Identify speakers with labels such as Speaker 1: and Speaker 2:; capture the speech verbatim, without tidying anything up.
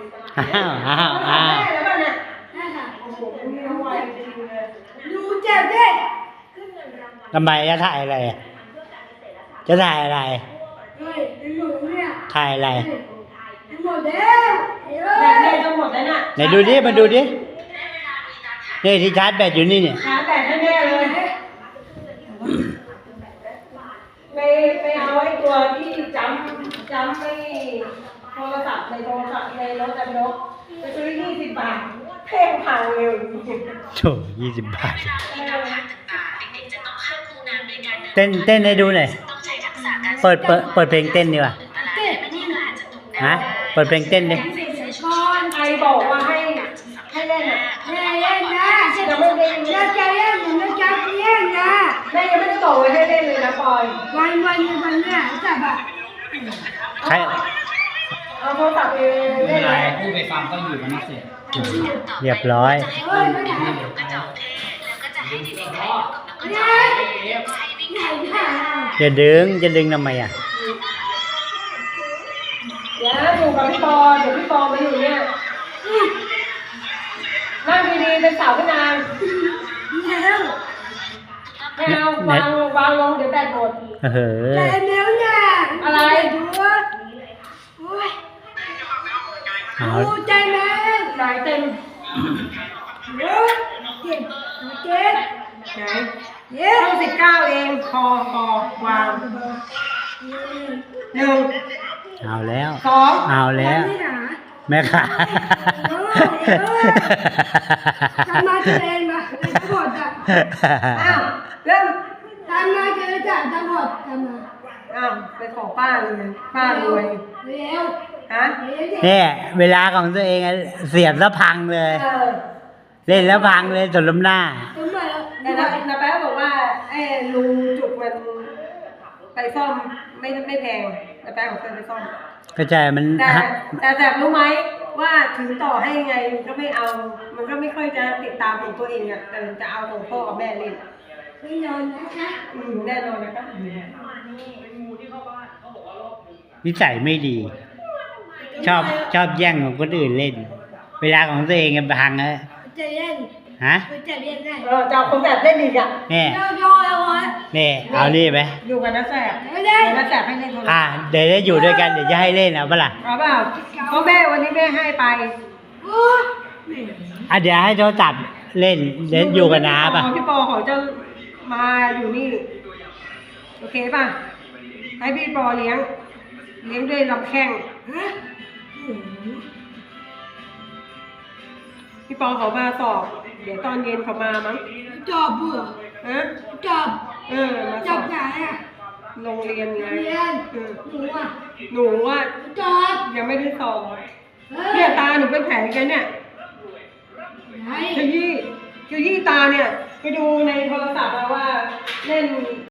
Speaker 1: อ้าวอ้าวอ้าว
Speaker 2: ดูเจ็บดิ
Speaker 1: ทำไมจะถ่ายอะไรจะถ่ายอะไร
Speaker 2: เฮ้ยหนูเนี่ย
Speaker 1: ถ่ายอะไร
Speaker 2: หมดแล้วแบตแม่จะหมดแล้วน่ะ
Speaker 1: ไหนดูดิมาดูดินี่ที่ชาร์จแบตอยู่นี่เนี่ย
Speaker 2: ชาร์จแบตให้แม่เลยไปไปเอาไอ้ตัวที่จำจำไม่โทรศัพท์ในโทรศัพท์ในรถแต่รถไปซื้อยี่สิบบาทเพ่งพังเร็ว
Speaker 1: โถ่ยี่สิบบาทเต้นเต้นให้ดูหน่อยเปิดเปิดเปิดเพลงเต้นดีกว่าฮะเปิดเพลงเต้นดิ
Speaker 2: ใครบอกว่าให้ให้เล่นอ่ะแม่เล่นนะยังไม่ได้จะจะเล่นหรือจะเล่นนะแม่ยังไม่ได้บอกว่าให้เล่นเลยนะปอยวันวันวันเนี่ยจับอ่ะ
Speaker 1: ใคร
Speaker 2: เอาโทรศัพท์ไปเล่นอะไร
Speaker 3: พูดไปฟังก็อยู่กันนักเสีย
Speaker 1: เรียบร้อย
Speaker 2: เฮ้ยไม่ได้
Speaker 1: จะดึงจะดึงทำไมอ่ะ
Speaker 2: เดี๋ยวอยู่กับพี่ปอเดี๋ยวพี่ปอมาอยู่เนี่ยนั่งดีๆเป็นสาวพี่นางไม่เอาวางวางลงเดี๋ยวแบตหมด
Speaker 1: เออ
Speaker 2: แต่เดี๋ยวเนี่ยอะไรดูว่าโอ้ย
Speaker 1: เอา
Speaker 2: ดูใจแม่ไหนเต็มเยอะเจ็บเจ็บไหนเยอะต้องสิบเก้าเองคอคอวางหนึ่ง
Speaker 1: เอาแล้ว
Speaker 2: สอง
Speaker 1: เอาแล้วแม่ขา
Speaker 2: ทำมาเองมาทั้งหมดอ่ะอ้าวเริ่มทำมาเจอจ่าทั้งหมดทำมาอ้าวไปขอป้าเลยป้ารวยเร็วฮะ
Speaker 1: เนี่ยเวลาของตัวเองอะเสียบแล้วพังเลย
Speaker 2: เออ
Speaker 1: เล่นแล้วพังเลยจนล้มหน้า
Speaker 2: แต่นะนะแป๊ะบอกว่าไอ้ลุงจุกมันไปซ่อมไม่ไม่แพงนะแป๊ะของเคยไปซ่อม
Speaker 1: ก็ใช่มัน
Speaker 2: แต่แต่แต่รู้ไหมว่าถึงต่อให้ยังไงมันก็ไม่เอา มันก็ไม่ค่อยจะติดตามของตัวเองอ่ะแต่จะเอาของพ่อกับแม่เล่นไม่นอนนะคะอืมแน่นอนนะคะ
Speaker 1: นิสัยไม่ดี ชอบชอบแย่งของคนอื่นเล่น เวลาของตัวเองอะพังอะ
Speaker 2: จะเล่น
Speaker 1: ฮะ
Speaker 2: จะเล่นได้เออจะเอาคนแบบเล่นอีกอ่ะ
Speaker 1: เนี่ย
Speaker 2: ย่อย่อวะ
Speaker 1: เนี่ยเอานี่ไป
Speaker 2: อยู่กับน้าแสบไม่ได้น้าแสบให้เล่นโทรศัพท์
Speaker 1: อ่ะเดี๋ยวได้อยู่ด้วยกันเดี๋ยวจะให้เล่นเอาปะล่ะ
Speaker 2: เอาเปล่าเพราะแม่วันนี้แม่ให้ไป
Speaker 1: อ่ะเดี๋ยวให้โทรศัพท์เล่นเล่นอยู่กับน้าป่ะ
Speaker 2: พี่ปอเขาจะมาอยู่นี่โอเคป่ะให้พี่ปอเลี้ยงเลี้ยงด้วยลำแข้งพี่ปอเขามาสอบเดี๋ยวตอนเย็นเขามามั้งจอบเบื่อฮะจอบเออมาสอบไหนอ่ะโรงเรียนไงเรียนหนูอ่ะหนูอ่ะจอบยังไม่ได้สอบเนี่ยตาหนูเป็นแผลกันเนี่ยขยี้ขยี้ตาเนี่ยไปดูในโทรศัพท์มาว่าเล่น